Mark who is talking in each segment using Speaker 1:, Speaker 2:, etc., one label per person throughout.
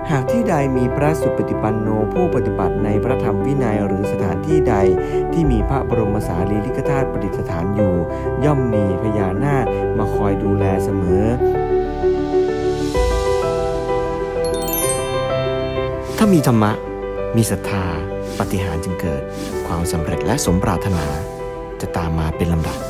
Speaker 1: หากที่ใดมีพระสุปฏิปันโนผู้ปฏิบัติในพระธรรมวินัยหรือสถานที่ใดที่มีพระบรมสารีริกธาตุประดิษฐานอยู่ย่อมมีพญานาคมาคอยดูแลเสมอถ้ามีธรรมะมีศรัทธาปาฏิหาริย์จึงเกิดความสำเร็จและสมปรารถนาจะตามมาเป็นลำดับ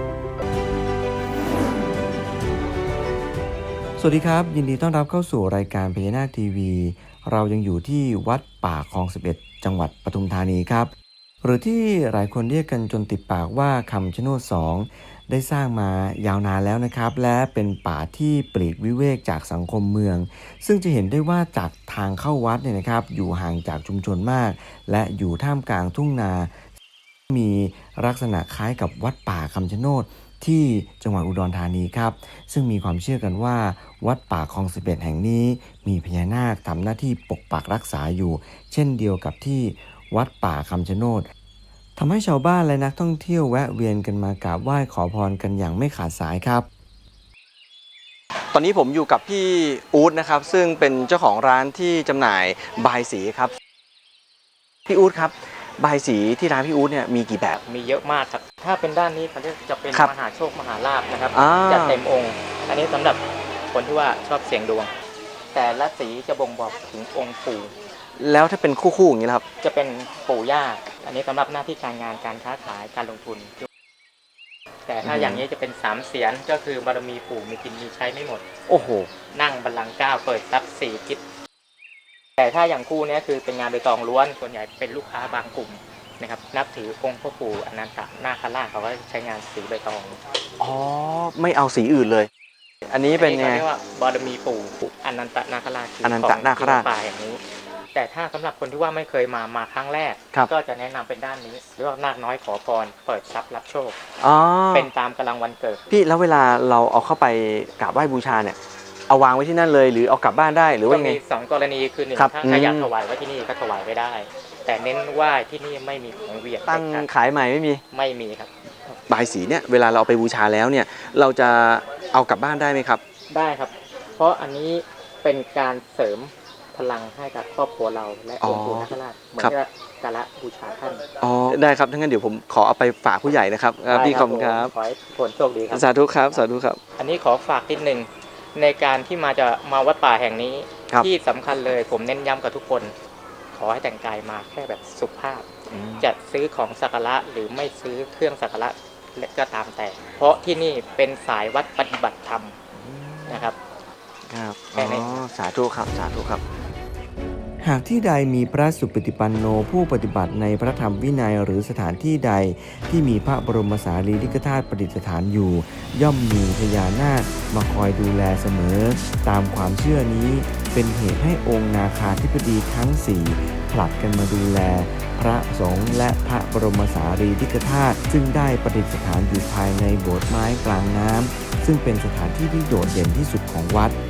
Speaker 1: สวัสดีครับยินดีต้อนรับเข้าสู่รายการพญานาคทีวีเรายังอยู่ที่วัดป่าคลอง 11 จังหวัดปทุมธานีครับหรือที่หลายคนเรียกกันจนติดปากว่าคำชะโนด 2ได้สร้างมายาวนานแล้วนะครับและเป็นป่าที่ปลีกวิเวกจากสังคมเมืองซึ่งจะเห็นได้ว่าจากทางเข้าวัดเนี่ยนะครับอยู่ห่างจากชุมชนมากและอยู่ท่ามกลางทุ่งนามีลักษณะคล้ายกับวัดป่าคำชะโนดที่จังหวัดอุดรธานีครับซึ่งมีความเชื่อกันว่าวัดป่าคลอง 11 แห่งนี้มีพญานาคทำหน้าที่ปกปักรักษาอยู่เช่นเดียวกับที่วัดป่าคำชะโนดทำให้ชาวบ้านและนักท่องเที่ยวแวะเวียนกันมากราบไหว้ขอพรกันอย่างไม่ขาดสายครับตอนนี้ผมอยู่กับพี่อู๊ดนะครับซึ่งเป็นเจ้าของร้านที่จำหน่ายบายสีครับพี่อู๊ดครับบายสีที่ร้านพี่อู๊ดเนี่ยมีกี่แบบ
Speaker 2: มีเยอะมากครับถ้าเป็นด้านนี้เขาเรียกจะเป็นมหาโชคมหาลาภนะครับจะเต็มองค์อันนี้สำหรับคนที่ว่าชอบเสี่ยงดวงแต่ละสีจะบ่งบอกถึงองค์ปู่
Speaker 1: แล้วถ้าเป็นคู่ๆอย่างนี้ครับ
Speaker 2: จะเป็นปู่ย่าอันนี้สำหรับหน้าที่การงานการค้าขายการลงทุนแต่ถ้าอย่างนี้จะเป็น3เสียนก็คือบารมีปู่มีกินมีใช้ไม่หมด
Speaker 1: โอ้โห
Speaker 2: นั่งบัลลังก์9เปิดทรัพย์4ทิศแต่ถ้าอย่างคู่นี้คือเป็นงานใบตองล้วนส่วนใหญ่เป็นลูกค้าบางกลุ่มนะครับนับถือองค์พ่อปู่อนันตนาคราชเขาก็ใช้งานสีใบตอง
Speaker 1: อ๋อไม่เอาสีอื่นเลยอันนี้เป็นไง
Speaker 2: เรียกว่าบารมีปู่อนันตนาคราช
Speaker 1: อนันตนาคราช
Speaker 2: ป่าอย่างนี้แต่ถ้าสำหรับคนที่ว่าไม่เคยมาครั้งแรกก็จะแนะนำเป็นด้านนี้เรียกว่านาคน้อยขอพรเปิดทรัพย์รับโชคเป็นตามกำลังวันเกิด
Speaker 1: พี่แล้วเวลาเราเอาเข้าไปกราบไหว้บูชาเนี่ยเอาวางไว้ที่นั่นเลยหรือเอากลับบ้านได้หรือว่าไง
Speaker 2: มี2กรณีคือ1ถ้าใครอยากถวายไว้ที่นี่ก็ถวายไว้ได้แต่เน้นว่าที่นี่ไม่มีของเวียด
Speaker 1: ตั้งขายใหม่ไม่
Speaker 2: มีครับ
Speaker 1: บายสีเนี่ยเวลาเราเอาไปบูชาแล้วเนี่ยเราจะเอากลับบ้านได้ไหมครับ
Speaker 2: ได้ครับเพราะอันนี้เป็นการเสริมพลังให้กับครอบครัวเราและองค์ปู่นาคราชเหมือนกับการละบูชาท่าน
Speaker 1: ได้ครับทั้งนั้นเดี๋ยวผมขอเอาไปฝากผู้ใหญ่นะครับพี่ขอบคุณครับ
Speaker 2: ขอให้ผลโชคดีครับ
Speaker 1: สาธุครับสาธุครับ
Speaker 2: อันนี้ขอฝากนิดนึงในการที่มาวัดป่าแห่งนี้ที่สำคัญเลยผมเน้นย้ำกับทุกคนขอให้แต่งกายมาแค่แบบสุภาพจะซื้อของสักการะหรือไม่ซื้อเครื่องสักการะก็ตามแต่เพราะที่นี่เป็นสายวัดปฏิบัติธรรมนะครับ
Speaker 1: ครับสาธุครับสาธุครับหากที่ใดมีพระสุปฏิปันโนผู้ปฏิบัติในพระธรรมวินัยหรือสถานที่ใดที่มีพระบรมสารีริกธาตุประดิษฐานอยู่ย่อมมีพญานาคมาคอยดูแลเสมอตามความเชื่อนี้เป็นเหตุให้องค์นาคาธิบดีทั้ง4ผลัดกันมาดูแลพระสงฆ์และพระบรมสารีริกธาตุซึ่งได้ประดิษฐานอยู่ภายในโบสถ์ไม้กลางน้ำซึ่งเป็นสถานที่ที่โดดเด่นที่สุดของวัด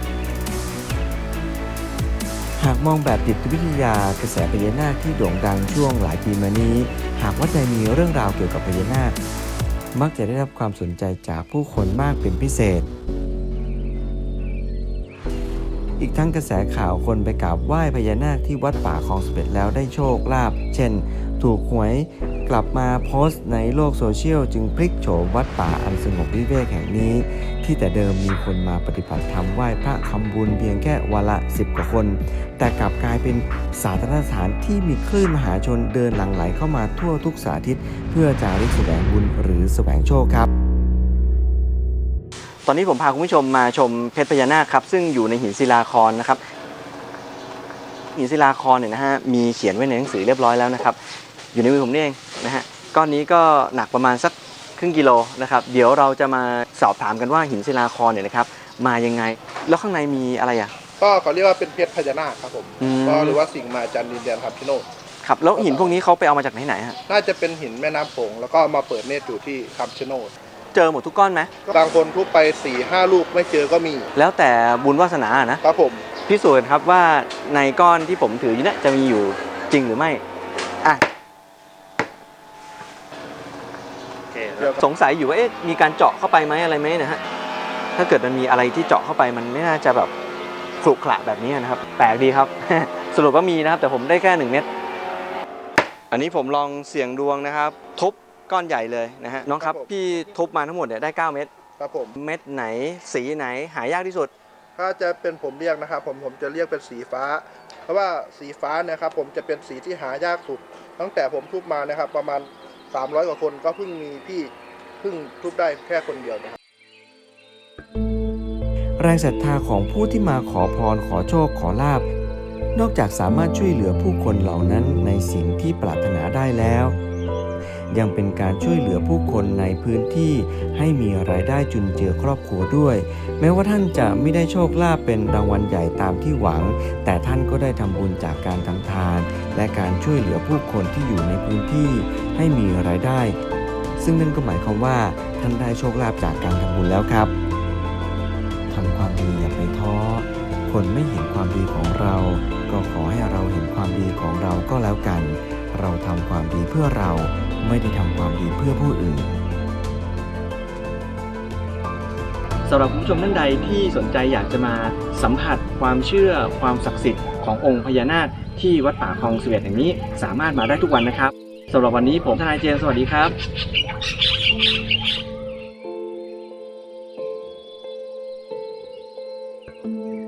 Speaker 1: หากมองแบบจิตวิทยากระแสพญานาคที่โด่งดังช่วงหลายปีมานี้หากว่าใดมีเรื่องราวเกี่ยวกับพญานาคมักจะได้รับความสนใจจากผู้คนมากเป็นพิเศษอีกทั้งกระแสข่าวคนไปกราบไหว้พญานาคที่วัดป่าคลอง 11แล้วได้โชคลาภเช่นถูกหวยกลับมาโพสต์ในโลกโซเชียลจึงพลิกโฉมวัดป่าอันสงบวิเวกแห่งนี้ที่แต่เดิมมีคนมาปฏิบัติธรรมไหว้พระทำบุญเพียงแค่วันละ10 กว่าคนแต่กลับกลายเป็นสาธารณสถานที่มีคลื่นมหาชนเดินหลั่งไหลเข้ามาทั่วทุกสารทิศเพื่อจาริกแสวงบุญหรือแสวงโชคครับตอนนี้ผมพาคุณผู้ชมมาชมเพชรพญานาคครับซึ่งอยู่ในหินศิลาครนะครับหินศิลาครเนี่ยนะฮะมีเขียนไว้ในหนังสือเรียบร้อยแล้วนะครับอยู่ในมือผมนี่เองนะฮะก้อนนี้ก็หนักประมาณสักครึ่งกิโลนะครับเดี๋ยวเราจะมาสอบถามกันว่าหินศิลาครเนี่ยนะครับมายังไงแล้วข้างในมีอะไรอ่ะ
Speaker 3: ก็เขาเรียกว่าเป็นเพชรพญานาคครับผมก็หรือว่าสิ่งมาจันดินแดนคำชะโนด
Speaker 1: ครับแล้วหินพวกนี้เขาไปเอามาจากไหนฮะ
Speaker 3: น่าจะเป็นหินแม่น้ำโขงแล้วก็มาเปิดเนตรอยู่ที่คำชะโนด
Speaker 1: เจอหมดทุกก้อนไหม
Speaker 3: บางคนทุบไป 4-5 ลูกไม่เจอก็มี
Speaker 1: แล้วแต่บุญวาสนานะครับ
Speaker 3: ผม
Speaker 1: พิสูจน์ครับว่าในก้อนที่ผมถืออยู่เนี่ยจะมีอยู่จริงหรือไม่อ่ะสงสัยอยู่ว่ามีการเจาะเข้าไปไหมอะไรไหมนะฮะถ้าเกิดมันมีอะไรที่เจาะเข้าไปมันไม่น่าจะแบบขรุขระแบบนี้นะครับแปลกดีครับ สรุปว่ามีนะครับแต่ผมได้แค่1 เม็ดอันนี้ผมลองเสี่ยงดวงนะครับทุบก้อนใหญ่เลยนะฮะน้องครับพี่ทุบมาทั้งหมดเนี่ยได้9 เม็ด
Speaker 3: ครับผม
Speaker 1: เม็ดไหนสีไหนหายากที่สุด
Speaker 3: ถ้าจะเป็นผมเรียกนะครับผมจะเรียกเป็นสีฟ้าเพราะว่าสีฟ้าเนี่ยครับผมจะเป็นสีที่หายากสุดตั้งแต่ผมทุบมานะครับประมาณ300 กว่าคนก็เพิ่งมีพี่เพิ่งทุบได้แค่คนเดียวนะครับ
Speaker 1: แรงศรัทธาของผู้ที่มาขอพรขอโชคขอลาภนอกจากสามารถช่วยเหลือผู้คนเหล่านั้นในสิ่งที่ปรารถนาได้แล้วยังเป็นการช่วยเหลือผู้คนในพื้นที่ให้มีรายได้จุนเจือครอบครัวด้วยแม้ว่าท่านจะไม่ได้โชคลาภเป็นรางวัลใหญ่ตามที่หวังแต่ท่านก็ได้ทำบุญจากการทำทานและการช่วยเหลือผู้คนที่อยู่ในพื้นที่ให้มีรายได้ซึ่งนั่นก็หมายความว่าท่านได้โชคลาภจากการทำบุญแล้วครับทำความดีอย่าไปท้อคนไม่เห็นความดีของเราก็ขอให้เราเห็นความดีของเราก็แล้วกันเราทำความดีเพื่อเราไม่ได้ทำความดีเพื่อผู้อื่นสำหรับผู้ชมท่านใดที่สนใจอยากจะมาสัมผัสความเชื่อความศักดิ์สิทธิ์ขององค์พญานาคที่วัดป่าคลอง11แห่งนี้สามารถมาได้ทุกวันนะครับสำหรับวันนี้ผมทนายเจมส์สวัสดีครับ